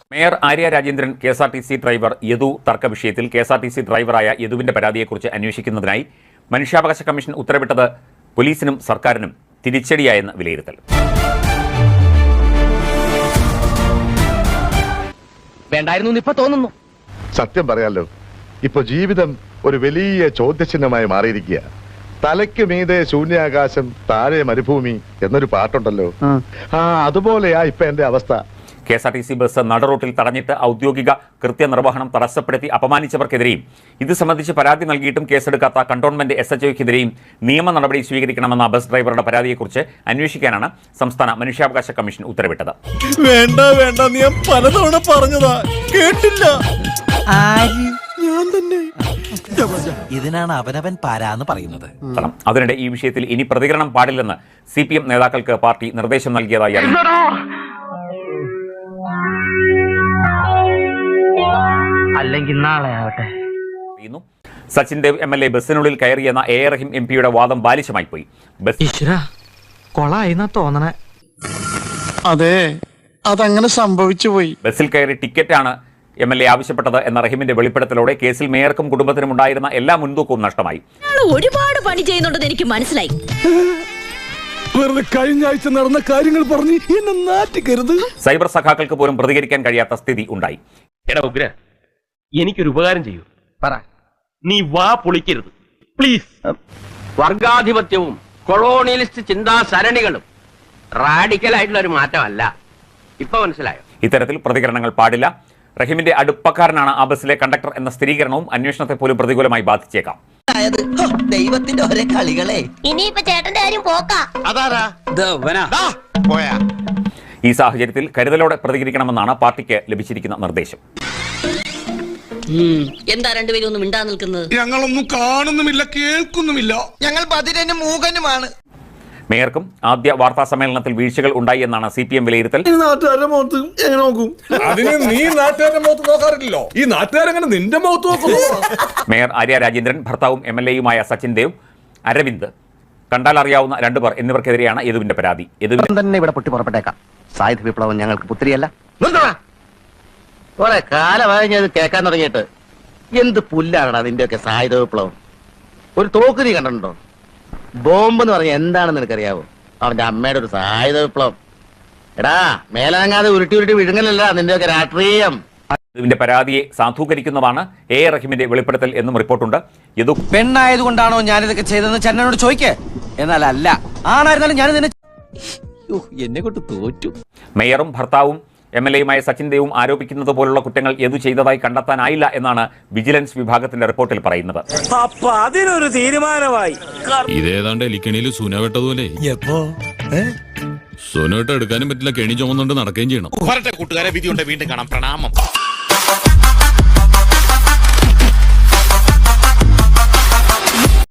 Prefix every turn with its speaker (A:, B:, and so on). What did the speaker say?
A: Mayor Arya Rajendran KSRTC driver Yadu തർക്ക വിഷയത്തിൽ KSRTC ഡ്രൈവറായ യദുവിന്റെ പരാതിയെക്കുറിച്ച് അന്വേഷിക്കുന്നതിനായി മനുഷ്യാവകാശ കമ്മീഷൻ ഉത്തരവിട്ടത് പോലീസിനും സർക്കാരിനും തിരിച്ചടിയായെന്ന് വിലയിരുത്തൽ.
B: വേണ്ടായിരുന്നു ഇപ്പൊ തോന്നുന്നു.
C: സത്യം പറയാലോ, ഇപ്പൊ ജീവിതം ഒരു വലിയ ചോദ്യചിഹ്നമായി മാറിയിരിക്കുക. തലയ്ക്ക് മീതെ ശൂന്യാകാശം, താഴെ മരുഭൂമി എന്നൊരു പാട്ടുണ്ടല്ലോ. അതുപോലെയാ ഇപ്പൊ എന്റെ അവസ്ഥ.
A: KSRTC ബസ് നടുറോട്ടിൽ തടഞ്ഞിട്ട് ഔദ്യോഗിക കൃത്യനിർവഹണം തടസ്സപ്പെടുത്തി അപമാനിച്ചവർക്കെതിരെയും ഇത് സംബന്ധിച്ച് പരാതി നൽകിയിട്ടും കേസെടുക്കാത്ത കണ്ടോൺമെന്റ് SHOയ്ക്കെതിരെയും നിയമ നടപടി സ്വീകരിക്കണമെന്ന ബസ് ഡ്രൈവറുടെ പരാതിയെക്കുറിച്ച് അന്വേഷിക്കാനാണ് സംസ്ഥാന മനുഷ്യാവകാശ കമ്മീഷൻ ഉത്തരവിട്ടത്.
D: വേണ്ട വേണ്ട, ഞാൻ പലതവണ പറഞ്ഞതാ, കേട്ടില്ല. ഞാൻ തന്നെ
E: ഇതിനാണ് അവനവൻ പാരാന്ന് പറയുന്നത്.
A: അതിനിടെ ഈ വിഷയത്തിൽ ഇനി പ്രതികരണം പാടില്ലെന്ന് CPM നേതാക്കൾക്ക് പാർട്ടി നിർദ്ദേശം നൽകിയതായി അറിയിച്ചു.
B: അല്ലെങ്കിൽ നാളെ ആവട്ടെ.
A: Sachin Dev MLA ബസ്സിനുള്ളിൽ കയറിയെന്ന A. Rahim MP വാദം ബാലിശമായി പോയി.
B: തോന്നണേ.
D: അതെ, അതങ്ങനെ സംഭവിച്ചു പോയി.
A: ബസ്സിൽ കയറി ടിക്കറ്റാണ് MLA ആവശ്യപ്പെട്ടത് എന്ന റഹീമിന്റെ വെളിപ്പെടുത്തലോടെ കേസിൽ മേയർക്കും കുടുംബത്തിനും ഉണ്ടായിരുന്ന എല്ലാ മുൻതൂക്കവും നഷ്ടമായി.
F: ഒരുപാട് പണി ചെയ്യുന്നുണ്ടെന്ന് എനിക്ക് മനസ്സിലായി.
D: വെറുതെ കഴിഞ്ഞ ആഴ്ച നടന്ന കാര്യങ്ങൾ പറഞ്ഞ് എന്നെ നാറ്റിക്കരുത്.
A: സൈബർ സഖാക്കൾക്ക് പോലും പ്രതികരിക്കാൻ കഴിയാത്ത സ്ഥിതി ഉണ്ടായി.
G: എടാ ഉഗ്ര, എനിക്കൊരു ഉപകാരം ചെയ്യൂ.
B: പറ.
G: നീ വാ പൊളിക്കരുത് പ്ലീസ്. വർഗാധിപത്യവും കൊളോണിയലിസ്റ്റ് ചിന്താ സരണികളും റാഡിക്കലായിട്ടുള്ള ഒരു മാറ്റമല്ല. ഇപ്പൊ മനസ്സിലായോ?
A: ഇത്തരത്തിൽ പ്രതികരണങ്ങൾ പാടില്ല. റഹീമിന്റെ അടുപ്പക്കാരനാണ് ആ ബസ്സിലെ കണ്ടക്ടർ എന്ന സ്ഥിരീകരണവും അന്വേഷണത്തെ പോലും പ്രതികൂലമായി ബാധിച്ചേക്കാം.
E: ദൈവത്തിന്റെ ഒരേ കളികളെ.
F: ഇനിയിപ്പോ ചേട്ടന്റെ കാര്യം പോക്കാ.
A: ഈ സാഹചര്യത്തിൽ കരുതലോടെ പ്രതികരിക്കണമെന്നാണ് പാർട്ടിക്ക് ലഭിച്ചിരിക്കുന്ന നിർദ്ദേശം.
F: എന്താ രണ്ടുപേരും ഒന്നും മിണ്ടാ നിൽക്കുന്നത്?
D: ഞങ്ങളൊന്നും കാണുന്നുമില്ല, കേൾക്കുന്നുമില്ല.
E: ഞങ്ങൾ ബധിരനും മൂകനുമാണ്.
A: മേയർക്കും ആദ്യ വാർത്താ സമ്മേളനത്തിൽ വീഴ്ചകൾ ഉണ്ടായി എന്നാണ് CPM വിലയിരുത്തൽ.
D: നാട്ടുകാരുടെ മുഖത്ത് എങ്ങനെ നോക്കും? അതിന് നീ നാട്ടുകാരുടെ മുഖത്ത് നോക്കാറില്ലല്ലോ, ഈ നാട്ടുകാരെങ്ങനെ നിന്റെ മുഖത്ത് നോക്കുന്നു?
A: മേയർ ആര്യ രാജേന്ദ്രൻ, ഭർത്താവും MLAയുമായ സച്ചിൻ ദേവ്, അരവിന്ദ്, കണ്ടാൽ അറിയാവുന്ന രണ്ടുപേർ എന്നിവർക്കെതിരെയാണ് യദുവിന്റെ പരാതി.
B: തന്നെ ഇവിടെ പൊട്ടി പുറപ്പെട്ടേക്കാം. സായുധ വിപ്ലവം ഞങ്ങൾക്ക് പുത്രിയല്ല. കുറെ കാലമായി ഞാൻ ഇത് കേൾക്കാൻ തുടങ്ങിയിട്ട്. എന്ത് പുല്ലാണടാ നിന്റെയൊക്കെ സായുധ വിപ്ലവം? ഒരു തോക്ക് നീ കണ്ടിട്ടുണ്ടോ? ബോംബ് എന്ന് പറഞ്ഞാൽ എന്താണെന്ന് നിനക്കറിയാവോ? അവന്റെ അമ്മയുടെ ഒരു സായുധ വിപ്ലവം. എടാ, മേലനങ്ങാതെ ഉരുട്ടി ഉരുട്ടി വിഴുങ്ങലല്ല നിന്റെയൊക്കെ രാഷ്ട്രീയം.
A: യദുവിന്റെ പരാതിയെ സാധൂകരിക്കുന്നതാണ് A. റഹീമിന്റെ വെളിപ്പെടുത്തൽ എന്നും റിപ്പോർട്ടുണ്ട്. യദു
E: പെണ്ണായതുകൊണ്ടാണോ ഞാനിതൊക്കെ ചെയ്തതെന്ന് ചന്നനോട് ചോദിക്കേ. എന്നാൽ അല്ല, ആണായിരുന്നാലും ഞാൻ നിന്നെ എന്നെ കൊണ്ട് തോറ്റു.
A: മേയറും ഭർത്താവും MLAയുമായ സച്ചിൻ ദേവും ആരോപിക്കുന്നത് പോലുള്ള കുറ്റങ്ങൾ യദു ചെയ്തതായി കണ്ടെത്താനായില്ല എന്നാണ് വിജിലൻസ് വിഭാഗത്തിന്റെ റിപ്പോർട്ടിൽ പറയുന്നത്.
H: അപ്പൊ അതിനൊരു തീരുമാനമായി.
I: ഇതേതാണ്ട് എലിക്കണിയിൽ സുന വെട്ടതുപോലെ. സുനോട്ട് എടുക്കാനും പറ്റില്ല, കെണി ചുമന്നുകൊണ്ട് നടക്കുകയും ചെയ്യണം.
H: കൂട്ടുകാരെ, വിധിയുണ്ട്. വീണ്ടും കാണാം. പ്രണാമം.